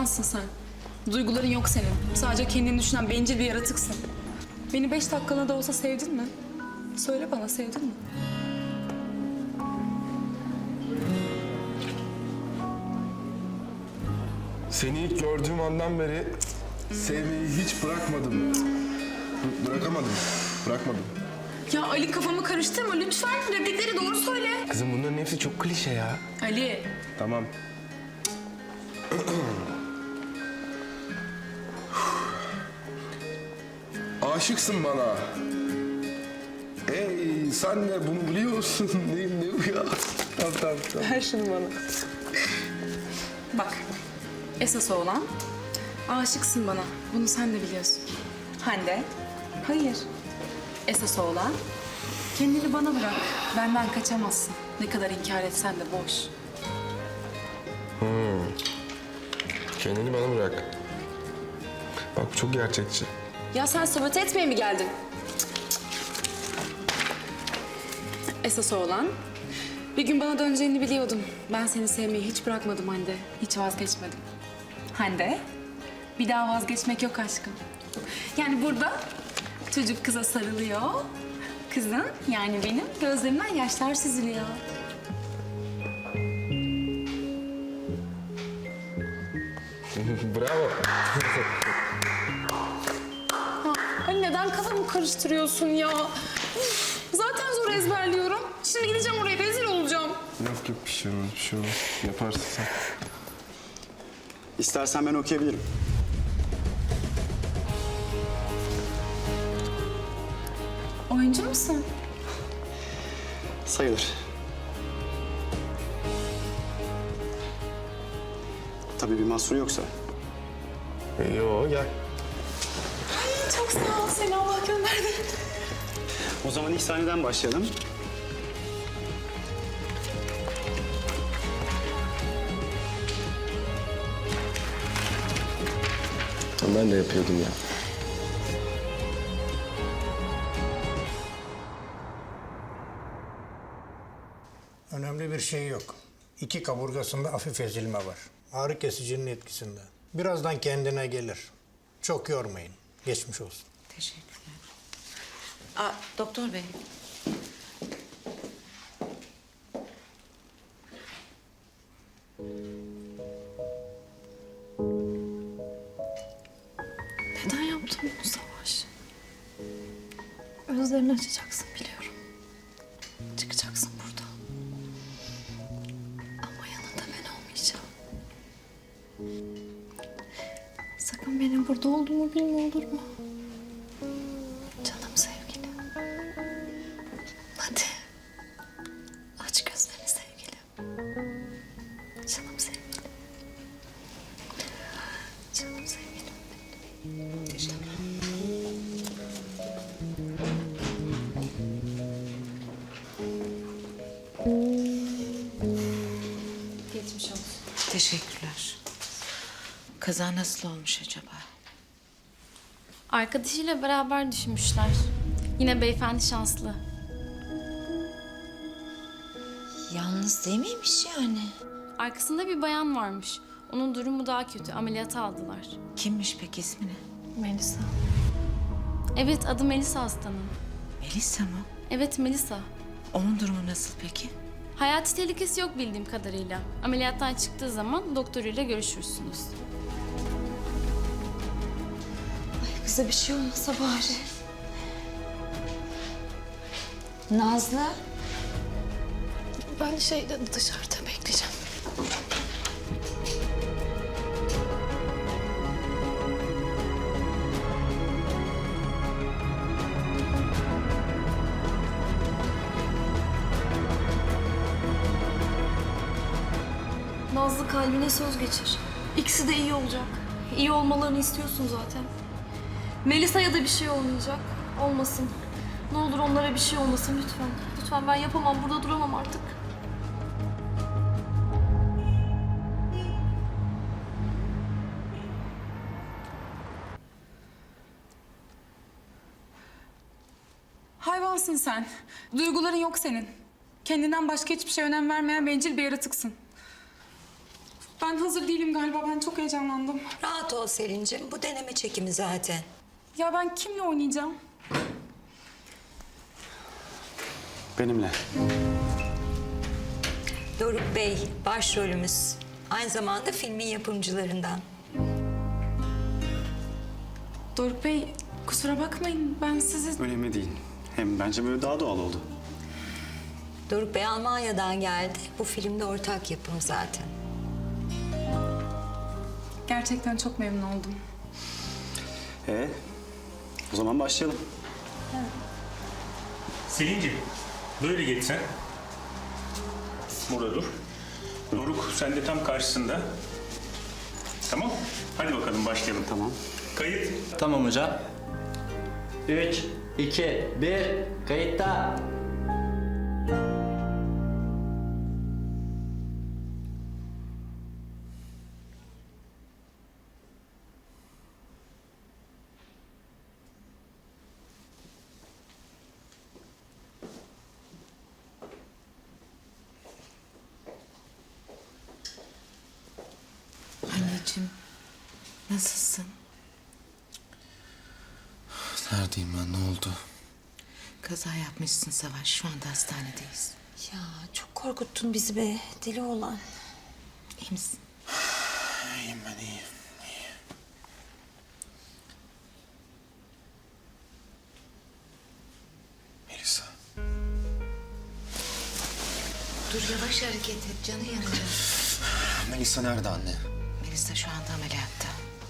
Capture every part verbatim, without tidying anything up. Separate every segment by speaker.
Speaker 1: Hayvansın sen. Duyguların yok senin. Sadece kendini düşünen bencil bir yaratıksın. Beni beş dakikalığına da olsa sevdin mi? Söyle bana, sevdin mi?
Speaker 2: Seni ilk gördüğüm andan beri sevmeyi hiç bırakmadım. B- bırakamadım. Bırakmadım.
Speaker 1: Ya Ali, kafamı karıştırma lütfen. Replikleri doğru söyle.
Speaker 2: Kızım bunların hepsi çok klişe ya.
Speaker 1: Ali.
Speaker 2: Tamam. Aşıksın bana. Ey sen de bunu biliyorsun. ne, ne bu ya? Tamam tamam tamam.
Speaker 1: Ver şunu bana. Bak, esas olan aşıksın bana. Bunu sen de biliyorsun. Hande, hayır. Esas olan kendini bana bırak. Benden kaçamazsın. Ne kadar inkar etsen de boş.
Speaker 2: Kendini bana bırak. Bak bu çok gerçekçi.
Speaker 1: Ya sen sabote etmeye mi geldin? Esas olan bir gün bana döneceğini biliyordum. Ben seni sevmeyi hiç bırakmadım Hande. Hiç vazgeçmedim. Hande, bir daha vazgeçmek yok aşkım. Yani burada çocuk kıza sarılıyor. Kızın, yani benim gözlerimden yaşlar süzülüyor.
Speaker 2: Bravo.
Speaker 1: Hani neden kafamı karıştırıyorsun ya? Üf, zaten zor ezberliyorum. Şimdi gideceğim oraya, rezil olacağım.
Speaker 2: Yok yok bir şey olmaz, bir şey olmaz. Yaparsın sen.
Speaker 3: İstersen ben okuyabilirim.
Speaker 1: Oyuncu musun?
Speaker 3: Sayılır. Tabii bir mahsur yoksa.
Speaker 2: Ee, Yo gel.
Speaker 1: Çok sağ ol, seni Allah gönderdi.
Speaker 3: O zaman ilk sahneden başlayalım.
Speaker 2: Ben de yapıyordum ya.
Speaker 4: Önemli bir şey yok. İki kaburgasında hafif ezilme var. Ağrı kesicinin etkisinde. Birazdan kendine gelir. Çok yormayın. Geçmiş olsun.
Speaker 5: Teşekkürler. Aa, doktor bey.
Speaker 6: Neden yaptın bunu Savaş? Özlerini açacaksın biliyorum. Çıkacaksın buradan. Ama yanında ben olmayacağım. Sakın benim burada olduğumu bilme, olur mu? Canım sevgilim. Hadi. Aç gözlerini sevgilim. Canım sevgilim. Canım sevgilim.
Speaker 1: Geçmiş olsun.
Speaker 5: Teşekkürler. Kaza nasıl olmuş acaba?
Speaker 6: Arkadaşıyla beraber düşmüşler. Yine beyefendi şanslı.
Speaker 5: Yalnız değil miymiş yani?
Speaker 6: Arkasında bir bayan varmış. Onun durumu daha kötü. Ameliyata aldılar.
Speaker 5: Kimmiş peki ismi ne?
Speaker 6: Melisa. Evet, adı Melisa hastanın.
Speaker 5: Melisa mı?
Speaker 6: Evet, Melisa.
Speaker 5: Onun durumu nasıl peki?
Speaker 6: Hayati tehlikesi yok bildiğim kadarıyla. Ameliyattan çıktığı zaman doktoruyla görüşürsünüz.
Speaker 7: Ay kıza bir şey olmasa bari. Nazlı.
Speaker 6: Ben şeyde dışarıda bekleyeceğim.
Speaker 8: Nazlı, kalbine söz geçir. İkisi de iyi olacak. İyi olmalarını istiyorsun zaten. Melisa'ya da bir şey olmayacak. Olmasın. Ne olur onlara bir şey olmasın lütfen. Lütfen, ben yapamam. Burada duramam artık.
Speaker 1: Hayvansın sen. Duyguların yok senin. Kendinden başka hiçbir şeye önem vermeyen bencil bir yaratıksın. Ben hazır değilim galiba. Ben çok heyecanlandım.
Speaker 5: Rahat ol Selin'cim. Bu deneme çekimi zaten.
Speaker 1: Ya ben kimle oynayacağım?
Speaker 3: Benimle.
Speaker 5: Doruk Bey başrolümüz. Aynı zamanda filmin yapımcılarından.
Speaker 1: Doruk Bey, kusura bakmayın. Ben sizi...
Speaker 3: Önemli değil. Hem bence böyle daha doğal oldu.
Speaker 5: Doruk Bey Almanya'dan geldi. Bu filmde ortak yapım zaten.
Speaker 1: Gerçekten çok memnun oldum.
Speaker 3: Ee, o zaman başlayalım.
Speaker 9: Selin'ciğim, böyle geç sen. Burada dur. Doruk, sen de tam karşısında. Tamam. Hadi bakalım başlayalım.
Speaker 3: Tamam.
Speaker 9: Kayıt.
Speaker 10: Tamam hocam. Üç, iki, bir, kayıtta.
Speaker 5: Anneciğim, nasılsın?
Speaker 2: Neredeyim ben? Ne oldu?
Speaker 5: Kaza yapmışsın Savaş. Şu anda hastanedeyiz. Ya çok korkuttun bizi be. Deli olan. İyi misin?
Speaker 2: İyiyim ben iyiyim. Melisa.
Speaker 5: Dur yavaş hareket et. Canı yanacak.
Speaker 2: Melisa nerede anne?
Speaker 5: Melisa şu anda ameliyatta.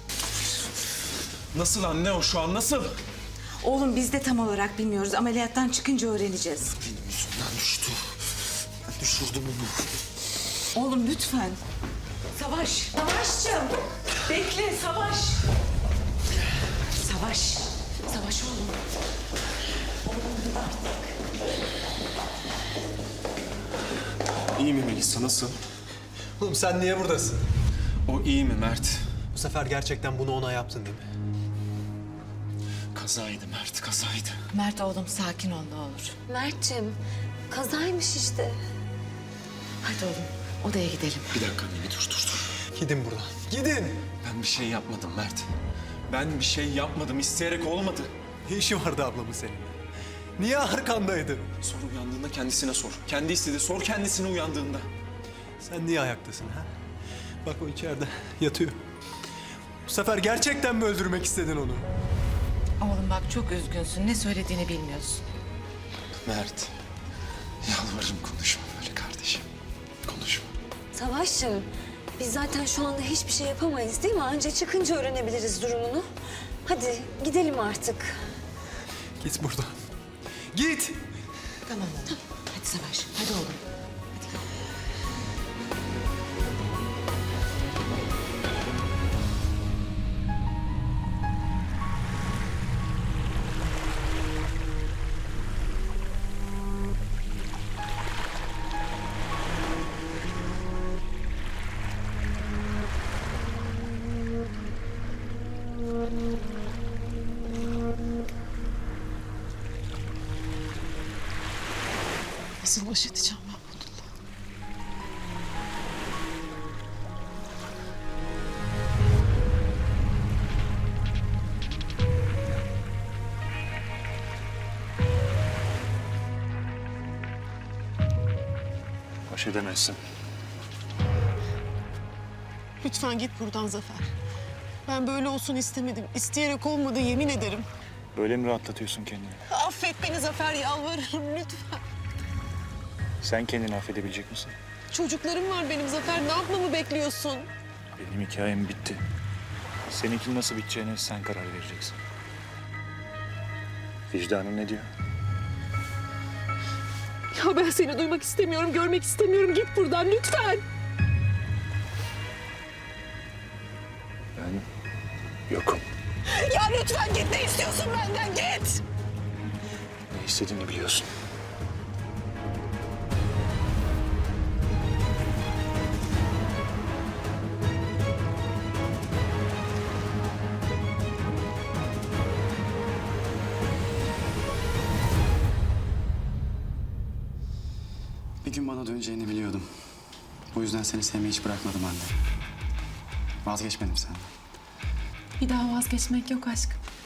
Speaker 2: Nasıl anne o şu an nasıl?
Speaker 5: Oğlum biz de tam olarak bilmiyoruz. Ameliyattan çıkınca öğreneceğiz.
Speaker 2: Benim yüzümden düştü. Ben düşürdüm onu.
Speaker 5: Oğlum lütfen. Savaş. Savaşçım. Bekle Savaş. Savaş. Savaş oğlum. Oğlum artık.
Speaker 2: İyi mi Melisa nasıl?
Speaker 11: Oğlum sen niye buradasın?
Speaker 2: O iyi mi Mert?
Speaker 11: Bu sefer gerçekten bunu ona yaptın değil mi?
Speaker 2: Kazaydı Mert kazaydı.
Speaker 5: Mert oğlum sakin ol ne olur.
Speaker 7: Mert'cim kazaymış işte.
Speaker 5: Hadi oğlum odaya gidelim.
Speaker 2: Bir dakika anne bir dur dur dur.
Speaker 11: Gidin buradan. Gidin.
Speaker 2: Ben bir şey yapmadım Mert. Ben bir şey yapmadım. İsteyerek olmadı.
Speaker 11: Ne işi vardı ablamın seninle? Niye arkandaydı?
Speaker 2: Sor uyandığında kendisine sor. Kendi istedi. Sor kendisine uyandığında.
Speaker 11: Sen niye ayaktasın ha? Bak o içeride yatıyor. Bu sefer gerçekten mi öldürmek istedin onu?
Speaker 5: Oğlum bak çok üzgünsün. Ne söylediğini bilmiyorsun.
Speaker 2: Mert. Yalvarırım konuşma böyle kardeşim. Konuşma.
Speaker 7: Savaş'cığım biz zaten şu anda hiçbir şey yapamayız değil mi? Anca çıkınca öğrenebiliriz durumunu. Hadi gidelim artık.
Speaker 11: Git buradan. Git.
Speaker 5: Tamam oğlum. Hadi Savaş. Hadi oğlum.
Speaker 6: Nasıl baş edeceğim ben bununla?
Speaker 3: Baş edemezsin.
Speaker 6: Lütfen git buradan Zafer. Ben böyle olsun istemedim. İsteyerek olmadı yemin ederim.
Speaker 9: Böyle mi rahatlatıyorsun kendini?
Speaker 6: Affet beni Zafer yalvarırım lütfen.
Speaker 9: Sen kendini affedebilecek misin?
Speaker 6: Çocuklarım var benim Zafer. Ne yapmamı bekliyorsun?
Speaker 9: Benim hikayem bitti. Seninki nasıl biteceğine sen karar vereceksin. Vicdanın ne diyor?
Speaker 6: Ya ben seni duymak istemiyorum, görmek istemiyorum. Git buradan lütfen.
Speaker 9: Ben yokum.
Speaker 6: Ya lütfen git. Ne istiyorsun benden? Git.
Speaker 9: Ne istediğini biliyorsun.
Speaker 3: Bir gün bana döneceğini biliyordum. Bu yüzden seni sevmeyi hiç bırakmadım anne. Vazgeçmedim senden.
Speaker 1: Bir daha vazgeçmek yok aşkım.